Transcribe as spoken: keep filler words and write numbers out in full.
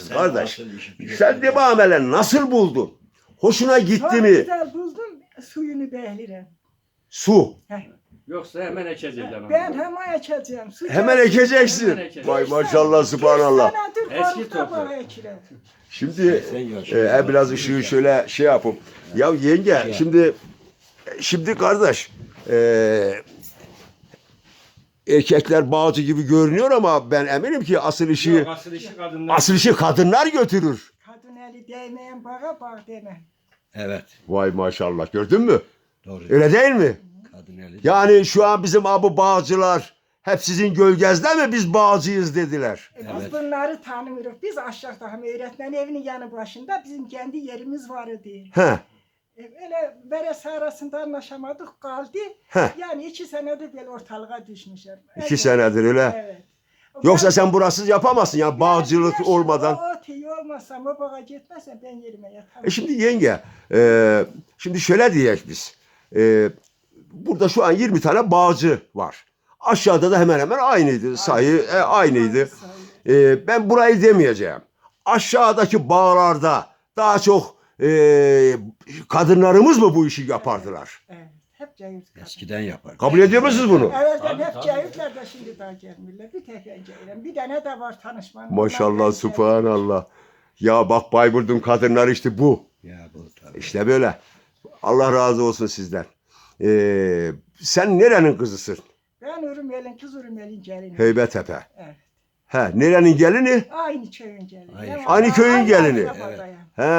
kardeş. Sen de bu amelen nasıl buldun? Hoşuna gitti Çok mi? güzel buldum suyunu behlirim. Su. Yoksa hemen ekeceğiz ama. Ben hemen ekeceğim. Su Hemen gelsin. ekeceksin. Hemen ekeceğim. Vay maşallah subhanallah. Senedir Eski korkta toprak. bana ekilir. Şimdi e, biraz ışığı şöyle şey yapıp. Ya yenge şimdi şimdi kardeş e, erkekler bağcı gibi görünüyor ama ben eminim ki asıl işi Yok, asıl işi kadınlar. asıl işi kadınlar götürür. Kadın eli değmeyen bağa bağ deme. Evet. Vay maşallah gördün mü? Doğru. Öyle değil mi? Kadın eli. Yani şu an bizim abu bağcılar hep sizin gölgenizde mi biz bağcıyız dediler. E, Biz Evet. bunları tanımıyoruz. Biz aşağıda hem öğretmen evinin yanı başında bizim kendi yerimiz vardı. He. E, Öyle beresi arasında anlaşamadık kaldı. Heh. Yani iki senedir böyle ortalığa düşmüşler. İki Evet. senedir öyle. Evet. Yoksa Ben- sen burasız yapamazsın ya bağcılık Ben- olmadan. O ot iyi olmazsam, o bağa gitmezsem ben yerime yatamam. E şimdi yenge, e, şimdi şöyle diyek biz. E, burada şu an yirmi tane bağcı var. Aşağıda da hemen hemen aynıydı. Sayı e, aynıydı. E, ben burayı demeyeceğim. Aşağıdaki bağlarda daha çok e, kadınlarımız mı bu işi yapardılar? Evet. Hep cahil. Eskiden yapar. Kabul ediyor musunuz bunu? Evvelden Tabii, hep tabii. cahiller de şimdi daha gelmiyorlar. Bir tek ben cahilim. Bir tane de var tanışmanın. Maşallah, subhanallah. Ya bak Bayburt'un kadınları işte bu. Ya bu tabii. İşte böyle. Allah razı olsun sizden. E, sen nerenin kızısın? Ben Urumeli'nin kız Urumeli'nin gelini. Heybetepe. Evet. He, nerenin gelini? Aynı köyün gelini. Aynı Ama Aynı köyün aynı gelini. akrabada yani. He.